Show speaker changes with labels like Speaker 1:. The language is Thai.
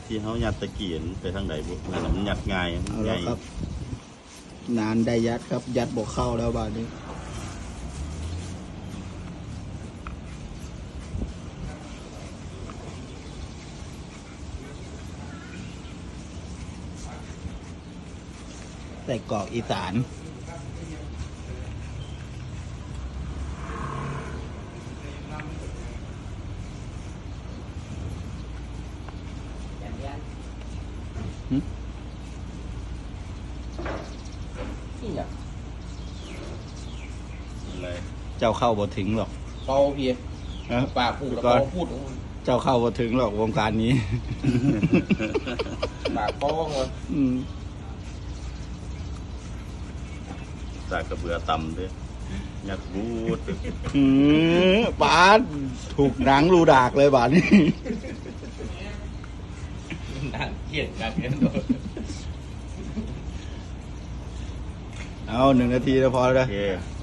Speaker 1: ที่เขายัดตะเกียนไปทางไหนบุนั่นน่ะมันยัดง่าย
Speaker 2: เอา
Speaker 1: ให
Speaker 2: แล้
Speaker 1: ญ่
Speaker 2: วครับ นานได้ยัดครับ ยัดบอกเข้าแล้วบ้านนี้ใส่กรอกอีสานหึ
Speaker 3: นี่เนี่ย
Speaker 1: อะไร
Speaker 2: เจ้าเข้าบ่ถึงหรอก
Speaker 3: เบาเพีย
Speaker 2: นะ
Speaker 3: ปากพูดแล้ว
Speaker 2: ก่อน
Speaker 3: เบาพูด
Speaker 2: เจ้าเข้าบ่ถึงหรอกวงการนี้
Speaker 3: ปากเบาเงิน
Speaker 2: อืม
Speaker 1: สากกระเบือตำด้วยยัดบูด
Speaker 2: บาสถูกหนังรูดากเลยบาสนี่
Speaker 3: นั่นเกลียดกันเนี่ย
Speaker 2: เอา1 นาทีแล้วพอแล้ว
Speaker 1: โอเค